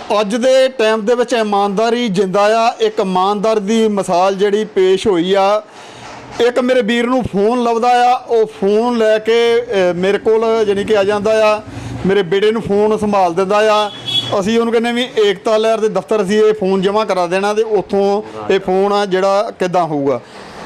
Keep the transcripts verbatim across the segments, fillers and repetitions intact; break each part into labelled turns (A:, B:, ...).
A: ਅੱਜ ਦੇ ਟਾਈਮ ਦੇ ਵਿੱਚ ਇਮਾਨਦਾਰੀ ਜਿੰਦਾ ਆ। ਇੱਕ ਇਮਾਨਦਾਰ ਦੀ ਮਿਸਾਲ ਜਿਹੜੀ ਪੇਸ਼ ਹੋਈ ਆ। ਇੱਕ ਮੇਰੇ ਵੀਰ ਨੂੰ ਫੋਨ ਲੱਭਦਾ ਆ, ਉਹ ਫੋਨ ਲੈ ਕੇ ਮੇਰੇ ਕੋਲ ਜਾਣੀ ਕਿ ਆ ਜਾਂਦਾ ਆ। ਮੇਰੇ ਬੇਟੇ ਨੂੰ ਫੋਨ ਸੰਭਾਲ ਦਿੰਦਾ ਆ। ਅਸੀਂ ਉਹਨੂੰ ਕਹਿੰਦੇ ਵੀ ਏਕਤਾ ਲਹਿਰ ਦੇ ਦਫ਼ਤਰ ਅਸੀਂ ਇਹ ਫੋਨ ਜਮ੍ਹਾਂ ਕਰਾ ਦੇਣਾ ਤੇ ਉੱਥੋਂ ਇਹ ਫੋਨ ਆ ਜਿਹੜਾ ਕਿੱਦਾਂ ਹੋਊਗਾ।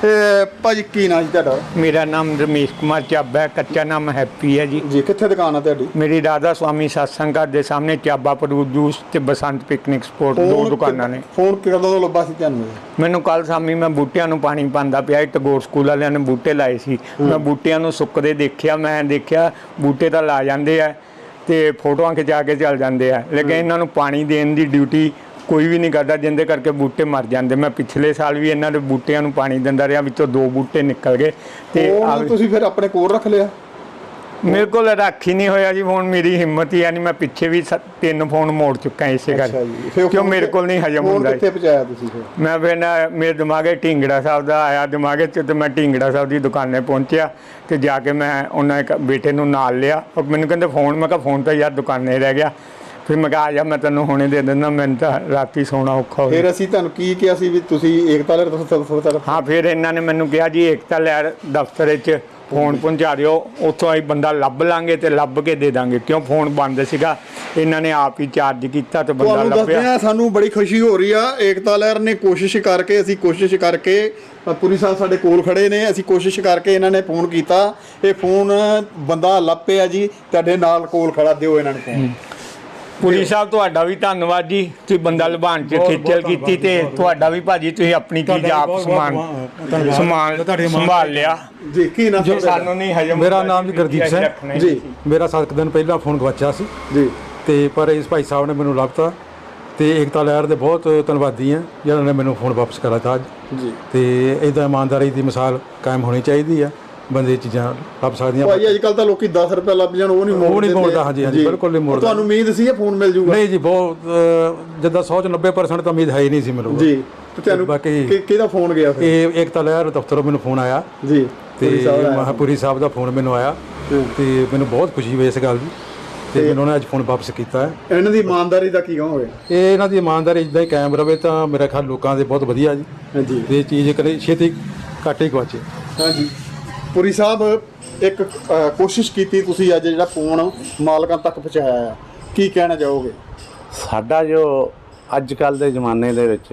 A: ਭਾਜੀ ਕੀ ਨਾਂ ਜੀ ਤੁਹਾਡਾ?
B: मेरा नाम रमेश कुमार चाबा है, कच्चा नाम हैप्पी है जी।
A: ਜੀ ਕਿੱਥੇ ਦੁਕਾਨ ਆ ਤੁਹਾਡੀ?
B: मेरी राधा स्वामी सत्संग घर के सामने चाबा फ्रूट जूस ਤੇ ਬਸੰਤ ਪਿਕਨਿਕ ਸਪੋਰਟ ਦੋ ਦੁਕਾਨਾਂ ਨੇ।
A: ਫੋਨ ਕਦੋਂ ਤੋਂ ਲੱਭਾ ਸੀ ਤੁਹਾਨੂੰ?
B: ਮੈਨੂੰ ਕੱਲ ਸ਼ਾਮੀ ਮੈਂ ਬੂਟਿਆਂ ਨੂੰ ਪਾਣੀ ਪਾਉਂਦਾ ਪਿਆ, ਟਗੋਰ ਸਕੂਲ ਵਾਲਿਆਂ ਨੇ ਬੂਟੇ ਲਾਏ ਸੀ। ਮੈਂ ਬੂਟਿਆਂ ਨੂੰ ਸੁੱਕਦੇ ਦੇਖਿਆ, ਮੈਂ ਦੇਖਿਆ ਬੂਟੇ ਤਾਂ ਲਾ ਜਾਂਦੇ ਆ ਤੇ ਫੋਟੋਆਂ ਖਿਚਾ ਕੇ ਚੱਲ ਜਾਂਦੇ ਆ, ਲੇਕਿਨ ਇਹਨਾਂ ਨੂੰ ਪਾਣੀ ਦੇਣ ਦੀ ਡਿਊਟੀ ਕੋਈ ਵੀ ਨਹੀਂ ਕਰਦਾ, ਜਿੰਦੇ ਕਰਕੇ ਬੂਟੇ ਮਰ ਜਾਂਦੇ। ਮੈਂ ਪਿਛਲੇ ਸਾਲ ਵੀ ਇਹਨਾਂ ਦੇ ਬੂਟਿਆਂ ਨੂੰ ਪਾਣੀ ਦਿੰਦਾ ਰਿਹਾ, ਵਿੱਚੋਂ ਦੋ ਬੂਟੇ ਨਿਕਲ ਗਏ। ਤੇ
A: ਤੁਸੀਂ ਫਿਰ ਆਪਣੇ ਕੋਲ ਰੱਖ ਲਿਆ?
B: ਮੇਰੇ ਕੋਲ ਰੱਖ ਹੀ ਨਹੀਂ ਹੋਇਆ ਜੀ ਫੋਨ, ਮੇਰੀ ਹਿੰਮਤ ਹੀ ਨਹੀਂ। ਮੈਂ ਪਿੱਛੇ ਵੀ ਤਿੰਨ ਫੋਨ ਮੋੜ ਚੁੱਕਾ ਇਸੇ ਕਰਕੇ, ਕਿਉਂ ਮੇਰੇ ਕੋਲ ਨਹੀਂ ਹਜਮ ਹੁੰਦਾ।
A: ਕਿੱਥੇ ਪਹੁੰਚਾਇਆ ਤੁਸੀਂ ਫਿਰ?
B: ਮੈਂ ਫਿਰ ਨਾ ਮੇਰੇ ਦਿਮਾਗੇ ਢਿੰਗੜਾ ਸਾਹਿਬ ਦਾ ਆਇਆ ਦਿਮਾਗੇ 'ਚ, ਤੇ ਮੈਂ ਢਿੰਗੜਾ ਸਾਹਿਬ ਦੀ ਦੁਕਾਨੇ ਪਹੁੰਚਿਆ ਤੇ ਜਾ ਕੇ ਮੈਂ ਉਹਨਾਂ ਇੱਕ ਬੇਟੇ ਨੂੰ ਨਾਲ ਲਿਆ। ਉਹ ਮੈਨੂੰ ਕਹਿੰਦੇ ਫੋਨ, ਮੈਂ ਕਿਹਾ ਫੋਨ ਤਾਂ ਯਾਰ ਦੁਕਾਨੇ ਰਹਿ ਗਿਆ। ਫਿਰ ਮੈਂ ਕਿਹਾ ਆ ਜਾ, ਮੈਂ ਤੈਨੂੰ ਹੁਣੇ ਦੇ ਦਿੰਦਾ, ਮੈਨੂੰ ਤਾਂ ਰਾਤੀ ਸੌਣਾ ਔਖਾ ਹੋ ਗਿਆ।
A: ਫਿਰ ਅਸੀਂ ਤੁਹਾਨੂੰ ਕੀ ਕਿਹਾ ਸੀ ਵੀ ਤੁਸੀਂ ਏਕਤਾ ਲਹਿਰ ਦਫ਼ਤਰ?
B: ਹਾਂ, ਫਿਰ ਇਹਨਾਂ ਨੇ ਮੈਨੂੰ ਕਿਹਾ ਜੀ ਏਕਤਾ ਲਹਿਰ ਦਫ਼ਤਰ ਵਿੱਚ ਫੋਨ ਪਹੁੰਚਾ ਦਿਓ, ਉੱਥੋਂ ਅਸੀਂ ਬੰਦਾ ਲੱਭ ਲਾਂਗੇ ਤੇ ਲੱਭ ਕੇ ਦੇ ਦਾਂਗੇ, ਕਿਉਂ ਫੋਨ ਬੰਦ ਸੀਗਾ। ਇਹਨਾਂ ਨੇ ਆਪ ਹੀ ਚਾਰਜ ਕੀਤਾ ਤੇ ਬੰਦਾ ਲੱਭਿਆ।
A: ਸਾਨੂੰ ਬੜੀ ਖੁਸ਼ੀ ਹੋ ਰਹੀ ਆ। ਏਕਤਾ ਲਹਿਰ ਨੇ ਕੋਸ਼ਿਸ਼ ਕਰਕੇ, ਅਸੀਂ ਕੋਸ਼ਿਸ਼ ਕਰਕੇ, ਪੁਰੀ ਸਾਹਿਬ ਸਾਡੇ ਕੋਲ ਖੜੇ ਨੇ, ਅਸੀਂ ਕੋਸ਼ਿਸ਼ ਕਰਕੇ ਇਹਨਾਂ ਨੇ ਫੋਨ ਕੀਤਾ, ਇਹ ਫੋਨ ਬੰਦਾ ਲੱਭ ਪਿਆ ਜੀ। ਤੁਹਾਡੇ ਨਾਲ ਕੋਲ ਖੜਾ, ਦਿਓ ਇਹਨਾਂ ਨੂੰ ਫੋਨ।
B: ਪੁਰੀ ਸਾਹਿਬ ਤੁਹਾਡਾ ਵੀ ਧੰਨਵਾਦ ਜੀ, ਤੁਸੀਂ ਬੰਦਾ ਲਭਾਣ ਚ ਖੇਚਲ ਕੀਤੀ ਤੇ ਤੁਹਾਡਾ ਵੀ ਭਾਜੀ, ਤੁਸੀਂ ਆਪਣੀ ਚੀਜ਼ ਆਪ ਸਮਾਨ ਸਮਾਨ ਸੰਭਾਲ ਲਿਆ
A: ਜੀ। ਕੀ ਨਾਮ
B: ਜੋ ਸਾਨੂੰ ਨਹੀਂ ਹਜਮ?
C: ਮੇਰਾ ਨਾਮ ਜੀ ਗੁਰਦੀਪ ਸਿੰਘ ਜੀ। ਮੇਰਾ ਸੱਤ ਦਿਨ ਪਹਿਲਾਂ ਫੋਨ ਗਵਾਚਿਆ ਸੀ
A: ਜੀ,
C: ਤੇ ਪਰ ਇਸ ਭਾਈ ਸਾਹਿਬ ਨੇ ਮੈਨੂੰ ਲੱਭਤਾ ਤੇ ਏਕਤਾ ਲਹਿਰ ਦੇ ਬਹੁਤ ਧੰਨਵਾਦੀ ਹਾਂ ਜਿਹਨਾਂ ਨੇ ਮੈਨੂੰ ਫੋਨ ਵਾਪਸ ਕਰਾਤਾ ਅੱਜ ਜੀ। ਤੇ ਇੱਦਾਂ ਇਮਾਨਦਾਰੀ ਦੀ ਮਿਸਾਲ ਕਾਇਮ ਹੋਣੀ ਚਾਹੀਦੀ ਆ, ਬੰਦੇ ਚੀਜ਼ਾਂ ਲੱਭ ਸਕਦੀਆਂ।
A: ਭਾਈ ਅੱਜ ਕੱਲ ਤਾਂ ਲੋਕੀ ਦਸ ਰੁਪਏ ਲੱਭ ਜਾਣ, ਉਹ ਨਹੀਂ
C: ਉਹ ਨਹੀਂ ਮੋੜਦਾ। ਹਾਂਜੀ ਹਾਂਜੀ, ਬਿਲਕੁਲ ਨਹੀਂ ਮੋੜਦਾ।
A: ਤੁਹਾਨੂੰ ਉਮੀਦ ਸੀ ਇਹ ਫੋਨ ਮਿਲ ਜੂਗਾ? ਨਹੀਂ
C: ਜੀ, ਬਹੁਤ ਜਿੱਦਾਂ ਸੌ ਚ ਨੱਬੇ ਪਰਸੈਂਟ ਤਾਂ ਉਮੀਦ ਹੈ ਹੀ ਨਹੀਂ ਸੀ ਮੈਨੂੰ ਜੀ।
A: ਤੇ ਤੁਹਾਨੂੰ ਬਾਕੀ ਕਿਹਦਾ ਫੋਨ ਗਿਆ ਫਿਰ?
C: ਇਹ ਏਕਤਾ ਲਹਿਰ ਦਫ਼ਤਰੋਂ ਮੈਨੂੰ ਫੋਨ ਆਇਆ ਜੀ, ਤੇ ਮਹਾਪੁਰੀ ਸਾਹਿਬ ਦਾ ਫੋਨ ਮੈਨੂੰ ਆਇਆ ਤੇ ਮੈਨੂੰ ਬਹੁਤ ਖੁਸ਼ੀ ਹੋਈ ਇਸ ਗੱਲ ਦੀ, ਤੇ ਮੈਨੂੰ ਉਹਨੇ ਅੱਜ ਫੋਨ ਵਾਪਸ ਕੀਤਾ ਹੈ।
A: ਇਹਨਾਂ ਦੀ ਇਮਾਨਦਾਰੀ ਦਾ ਕੀ ਕਹੋਗੇ?
C: ਇਹ ਇਹਨਾਂ ਦੀ ਇਮਾਨਦਾਰੀ ਇਦਾਂ ਹੀ ਕਾਇਮ ਰਵੇ ਤਾਂ ਮੇਰਾ ਖਿਆਲ ਲੋਕਾਂ ਦੇ ਬਹੁਤ ਵਧੀਆ ਜੀ। ਹਾਂਜੀ, ਇਹ ਚੀਜ਼ ਕਦੇ ਛੇਤੀ ਘੱਟ ਹੀ ਗਵਾਚੇ। ਹਾਂਜੀ,
A: ਪੁਰੀ ਸਾਹਿਬ ਇੱਕ ਕੋਸ਼ਿਸ਼ ਕੀਤੀ ਤੁਸੀਂ ਅੱਜ ਜਿਹੜਾ ਫੋਨ ਮਾਲਕਾਂ ਤੱਕ ਪਹੁੰਚਾਇਆ ਆ, ਕੀ ਕਹਿਣਾ ਚਾਹੋਗੇ?
D: ਸਾਡਾ ਜੋ ਅੱਜ ਕੱਲ੍ਹ ਦੇ ਜ਼ਮਾਨੇ ਦੇ ਵਿੱਚ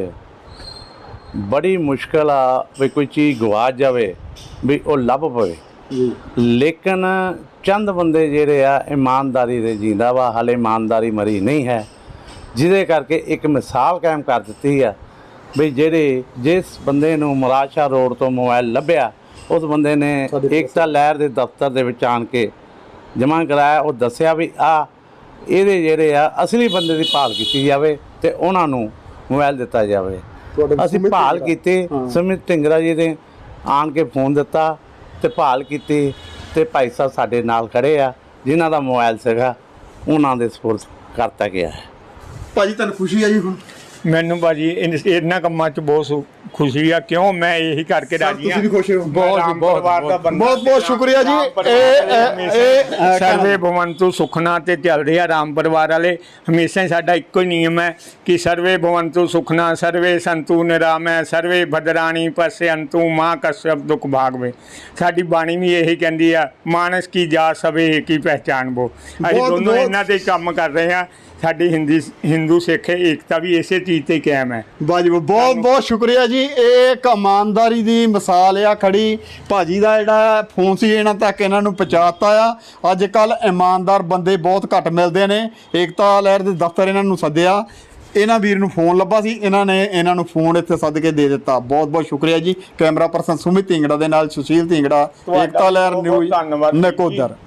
D: ਬੜੀ ਮੁਸ਼ਕਿਲ ਆ ਵੀ ਕੋਈ ਚੀਜ਼ ਗਵਾਚ ਜਾਵੇ ਵੀ ਉਹ ਲੱਭ ਪਵੇ ਜੀ, ਲੇਕਿਨ ਚੰਦ ਬੰਦੇ ਜਿਹੜੇ ਆ ਇਮਾਨਦਾਰੀ ਦੇ ਜੀਂਦਾ ਵਾ, ਹਾਲੇ ਇਮਾਨਦਾਰੀ ਮਰੀ ਨਹੀਂ ਹੈ, ਜਿਹਦੇ ਕਰਕੇ ਇੱਕ ਮਿਸਾਲ ਕਾਇਮ ਕਰ ਦਿੱਤੀ ਆ ਵੀ ਜਿਹੜੇ ਜਿਸ ਬੰਦੇ ਨੂੰ ਮਰਾਸ਼ਾ ਰੋਡ ਤੋਂ ਮੋਬਾਈਲ ਲੱਭਿਆ, ਉਸ ਬੰਦੇ ਨੇ ਏਕਤਾ ਲਹਿਰ ਦੇ ਦਫ਼ਤਰ ਦੇ ਵਿੱਚ ਆਣ ਕੇ ਜਮ੍ਹਾਂ ਕਰਾਇਆ। ਉਹ ਦੱਸਿਆ ਵੀ ਆ ਇਹਦੇ ਜਿਹੜੇ ਆ ਅਸਲੀ ਬੰਦੇ ਦੀ ਭਾਲ ਕੀਤੀ ਜਾਵੇ ਤੇ ਉਹਨਾਂ ਨੂੰ ਮੋਬਾਈਲ ਦਿੱਤਾ ਜਾਵੇ। ਅਸੀਂ ਭਾਲ ਕੀਤੀ, ਸੁਮਿਤ ਢਿੰਗਰਾ ਜੀ ਨੇ ਆਣ ਕੇ ਫੋਨ ਦਿੱਤਾ ਤੇ ਭਾਲ ਕੀਤੀ, ਤੇ ਭਾਈ ਸਾਹਿਬ ਸਾਡੇ ਨਾਲ ਖੜੇ ਆ, ਜਿਨ੍ਹਾਂ ਦਾ ਮੋਬਾਈਲ ਸੀਗਾ ਉਹਨਾਂ ਦੇ ਸਪੁਰਦ ਕਰਤਾ ਗਿਆ ਹੈ।
A: ਭਾਜੀ ਤੁਹਾਨੂੰ ਖੁਸ਼ੀ ਆ ਜੀ? ਹੁਣ
B: ਮੈਨੂੰ ਭਾਜੀ ਇਹਨਾਂ ਕੰਮਾਂ 'ਚ ਬਹੁਤ ਖੁਸ਼ੀ ਆ, ਕਿਉਂ ਮੈਂ ਇਹੀ ਕਰਕੇ ਰਾਜੀ ਹਾਂ।
A: ਬਹੁਤ
B: ਬਹੁਤ
A: ਬਹੁਤ ਬਹੁਤ ਸ਼ੁਕਰੀਆ ਜੀ। ਇਹ
B: ਸਰਵੇ ਭਵੰਤੂ ਸੁਖਨਾ ਤੇ ਚੱਲਦੇ ਆ ਰਾਮ ਪਰਿਵਾਰ ਵਾਲੇ। ਹਮੇਸ਼ਾ ਹੀ ਸਾਡਾ ਇੱਕੋ ਹੀ ਨਿਯਮ ਹੈ ਕਿ ਸਰਵੇ ਭਵੰਤੂ ਸੁਖਨਾ, ਸਰਵੇ ਸੰਤੂ ਨਿਰਾਮੈ, ਸਰਵੇ ਭਦਰਾਣੀ ਪਸ਼ਯੰਤੂ ਮਾਂ ਕਸ਼ਯਪ ਦੁਖ ਭਾਗਵੇ। ਸਾਡੀ ਬਾਣੀ ਵੀ ਇਹੀ ਕਹਿੰਦੀ ਆ, ਮਾਨਸ ਕੀ ਜਾ ਸਵੇ ਕੀ ਪਹਿਚਾਣ ਬੋ। ਅਸੀਂ ਦੋਨੋਂ ਇਹਨਾਂ ਤੇ ਕੰਮ ਕਰ ਰਹੇ ਹਾਂ। ਸਾਡੀ ਹਿੰਦੀ ਹਿੰਦੂ ਸਿੱਖ ਏਕਤਾ ਵੀ ਇਸੇ ਚੀਜ਼ ਤੇ ਕਾਇਮ ਹੈ। ਵਾਜਬ
A: ਬਹੁਤ ਬਹੁਤ ਸ਼ੁਕਰੀਆ ਜੀ। ਇਹ ਇੱਕ ਇਮਾਨਦਾਰੀ ਦੀ ਮਿਸਾਲ ਆ ਖੜੀ। ਭਾਜੀ ਦਾ ਜਿਹੜਾ ਫੋਨ ਸੀ ਇਹਨਾਂ ਤੱਕ ਇਹਨਾਂ ਨੂੰ ਪਹੁੰਚਾਤਾ ਆ। ਅੱਜ ਕੱਲ੍ਹ ਇਮਾਨਦਾਰ ਬੰਦੇ ਬਹੁਤ ਘੱਟ ਮਿਲਦੇ ਨੇ। ਏਕਤਾ ਲਹਿਰ ਦੇ ਦਫ਼ਤਰ ਇਹਨਾਂ ਨੂੰ ਸੱਦਿਆ, ਇਹਨਾਂ ਵੀਰ ਨੂੰ ਫੋਨ ਲੱਭਾ ਸੀ, ਇਹਨਾਂ ਨੇ ਇਹਨਾਂ ਨੂੰ ਫੋਨ ਇੱਥੇ ਸੱਦ ਕੇ ਦੇ ਦਿੱਤਾ। ਬਹੁਤ ਬਹੁਤ ਸ਼ੁਕਰੀਆ ਜੀ। ਕੈਮਰਾ ਪਰਸਨ ਸੁਮਿਤ ਢਿੰਗੜਾ ਦੇ ਨਾਲ ਸੁਸ਼ੀਲ ਢਿੰਗੜਾ, ਏਕਤਾ ਲਹਿਰ ਨਿਊਜ਼ ਨਕੋਦਰ।